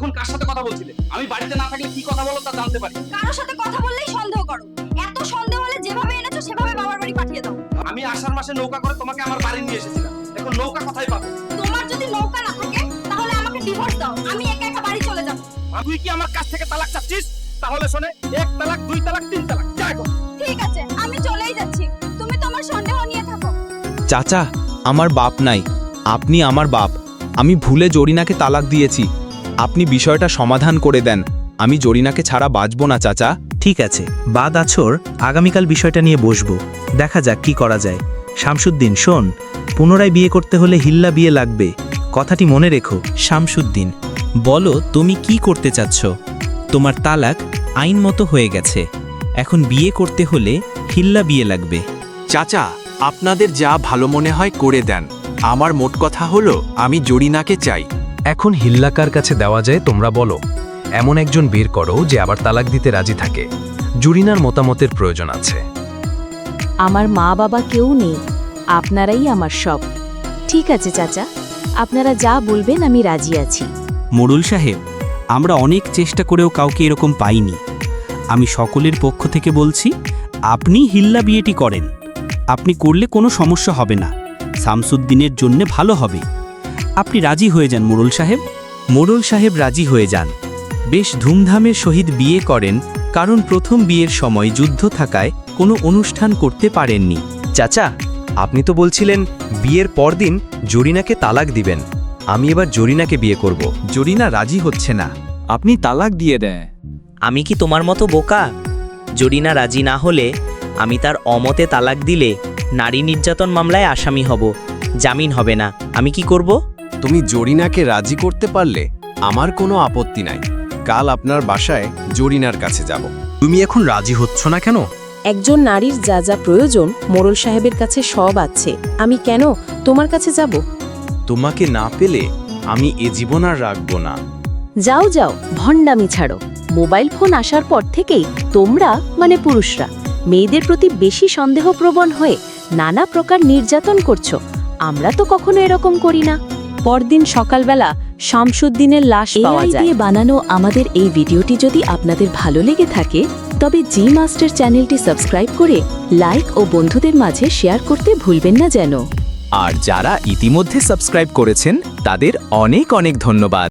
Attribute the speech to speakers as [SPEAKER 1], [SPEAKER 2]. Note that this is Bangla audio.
[SPEAKER 1] এতক্ষণ কার সাথে কথা বলছিলে? আমি বাড়িতে না থাকলে কি কথা বলো তা জানতে পারি।
[SPEAKER 2] কারোর সাথে কথা বললেই সন্দেহ করো। এত সন্দেহ হলে যেভাবে এনেছো সেভাবে বাবার বাড়ি পাঠিয়ে দাও।
[SPEAKER 1] আমি আষাঢ় মাসে নৌকা করে তোমাকে আমার বাড়ি নিয়ে এসেছিলাম। এখন নৌকা কোথায় পাবো?
[SPEAKER 2] তোমার যদি নৌকা না থাকে তাহলে আমাকে ডিভোর্স দাও, আমি একা একা বাড়ি চলে যাব।
[SPEAKER 1] তুই কি আমার কাছ থেকে তালাক চাচ্ছিস? তাহলে শোনে, 1 তালাক 2 তালাক 3 তালাক, যা এখন।
[SPEAKER 2] ঠিক আছে, আমি চলেই যাচ্ছি, তুমি তোমার সন্দেহ নিয়ে থাকো।
[SPEAKER 3] চাচা, আমার বাপ নাই, আপনি আমার বাপ। আমি ভুলে জরিনাকে তালাক দিয়েছি। আপনি বিষয়টা সমাধান করে দেন। আমি জরিনাকে ছাড়া বাঁচব না চাচা।
[SPEAKER 4] ঠিক আছে, বাদ আছর আগামীকাল বিষয়টা নিয়ে বসবো, দেখা যাক কি করা যায়। শামসুদ্দিন শোন, পুনরায় বিয়ে করতে হলে হিল্লা বিয়ে লাগবে, কথাটি মনে রেখো।
[SPEAKER 5] শামসুদ্দিন, বলো তুমি কি করতে চাচ্ছ? তোমার তালাক আইন মতো হয়ে গেছে, এখন বিয়ে করতে হলে হিল্লা বিয়ে লাগবে।
[SPEAKER 3] চাচা, আপনাদের যা ভালো মনে হয় করে দেন। আমার মোট কথা হলো, আমি জরিনাকে চাই।
[SPEAKER 6] এখন হিল্লাকার কাছে দেওয়া যায় তোমরা বলো। এমন একজন বের করো যে আবার তালাক দিতে রাজি থাকে। জরিনার মতামতের প্রয়োজন আছে।
[SPEAKER 7] আমার মা বাবা কেউ নেই, আপনারাই আমার সব। ঠিক আছে চাচা, আপনারা যা বলবেন আমি রাজি আছি।
[SPEAKER 5] মোড়ল সাহেব, আমরা অনেক চেষ্টা করেও কাউকে এরকম পাইনি। আমি সকলের পক্ষ থেকে বলছি, আপনি হিল্লা বিয়েটি করেন। আপনি করলে কোনো সমস্যা হবে না, শামসুদ্দিনের জন্য ভালো হবে। আপনি রাজি হয়ে যান মোড়ল সাহেব।
[SPEAKER 4] মোড়ল সাহেব রাজি হয়ে যান। বেশ ধুমধামের সহিত বিয়ে করেন, কারণ প্রথম বিয়ের সময় যুদ্ধ থাকায় কোনো অনুষ্ঠান করতে পারেননি।
[SPEAKER 6] চাচা, আপনি তো বলছিলেন বিয়ের পরদিন জরিনাকে তালাক দিবেন। আমি এবার জরিনাকে বিয়ে করব।
[SPEAKER 3] জরিনা রাজি হচ্ছে না। আপনি তালাক দিয়ে দেন।
[SPEAKER 8] আমি কি তোমার মতো বোকা? জরিনা রাজি না হলে আমি তার অমতে তালাক দিলে নারী নির্যাতন মামলায় আসামি হব, জামিন হবে না। আমি কি করব?
[SPEAKER 3] তুমি জরিনাকে রাজি করতে পারলে আমার কোনো আপত্তি নাই। কাল আপনার বাসায় জরিনার কাছে যাব।
[SPEAKER 6] তুমি এখন রাজি হচ্ছ না কেন?
[SPEAKER 7] একজন নারীর যা যা প্রয়োজন মোড়ল সাহেবের কাছে সব আছে, আমি কেন তোমার কাছে যাব?
[SPEAKER 3] তোমাকে না পেলে আমি এ জীবন আর রাখবো না।
[SPEAKER 7] যাও যাও, ভণ্ডামি ছাড়ো। মোবাইল ফোন আসার পর থেকেই তোমরা মানে পুরুষরা মেয়েদের প্রতি বেশি সন্দেহপ্রবণ হয়ে নানা প্রকার নির্যাতন করছো। আমরা তো কখনো এরকম করি না। পরদিন সকালবেলা শামসুদ্দিনের লাশ পাওয়া যায়। দিয়ে বানানো আমাদের এই ভিডিওটি যদি আপনাদের ভালো লেগে থাকে তবে জি মাস্টার চ্যানেলটি সাবস্ক্রাইব করে লাইক ও বন্ধুদের মাঝে শেয়ার করতে ভুলবেন না যেন।
[SPEAKER 3] আর যারা ইতিমধ্যে সাবস্ক্রাইব করেছেন তাদের অনেক অনেক ধন্যবাদ।